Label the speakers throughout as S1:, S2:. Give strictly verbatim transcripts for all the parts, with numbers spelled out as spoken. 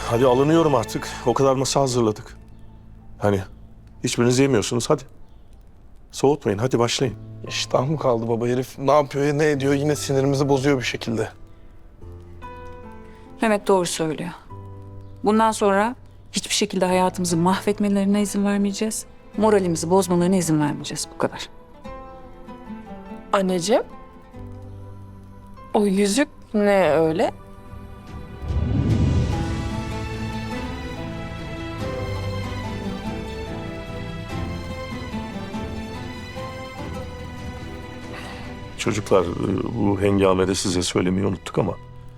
S1: hadi alınıyorum artık. O kadar masa hazırladık. Hani hiçbiriniz yemiyorsunuz, hadi. Soğutmayın, hadi başlayın.
S2: İştah mı kaldı baba herif? Ne yapıyor ya ne ediyor? Yine sinirimizi bozuyor bir şekilde.
S3: Mehmet doğru söylüyor. Bundan sonra hiçbir şekilde hayatımızı mahvetmelerine izin vermeyeceğiz. Moralimizi bozmalarına izin vermeyeceğiz. Bu kadar.
S4: Anneciğim, o yüzük ne öyle?
S1: Çocuklar, bu hengamede size söylemeyi unuttuk ama...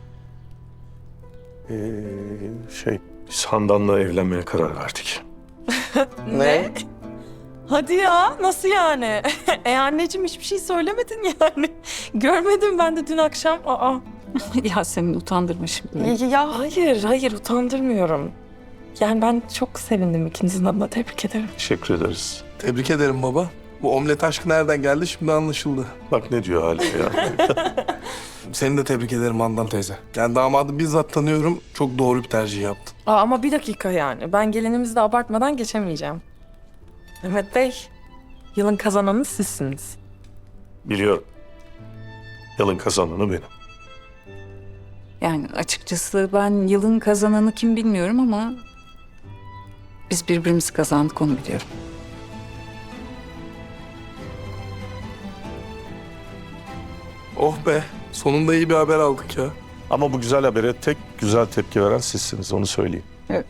S1: Ee, şey, biz Handan'la evlenmeye karar verdik.
S4: Ne? Hadi ya, nasıl yani? e anneciğim hiçbir şey söylemedin yani. Görmedim ben de dün akşam. Aa.
S3: Yasemin utandırma şimdi.
S4: Ya, ya hayır, hayır utandırmıyorum. Yani ben çok sevindim ikinizin adına. Tebrik ederim.
S1: Teşekkür ederiz.
S2: Tebrik ederim baba. Bu omlet aşkı nereden geldi şimdi anlaşıldı.
S1: Bak ne diyor Hale ya.
S2: Seni de tebrik ederim Handan teyze. Yani damadı bizzat tanıyorum. Çok doğru bir tercih yaptın.
S4: Aa, ama bir dakika yani. Ben gelinimizi de abartmadan geçemeyeceğim. Mehmet Bey, yılın kazananı sizsiniz.
S1: Biliyorum. Yılın kazananı benim.
S3: Yani açıkçası ben yılın kazananı kim bilmiyorum ama... biz birbirimizi kazandık, onu biliyorum.
S2: Oh be. Sonunda iyi bir haber aldık ya.
S1: Ama bu güzel habere tek güzel tepki veren sizsiniz, onu söyleyeyim.
S3: Evet.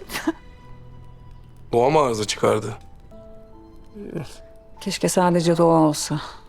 S2: Doğa mı arıza çıkardı?
S3: Keşke sadece doğa olsa.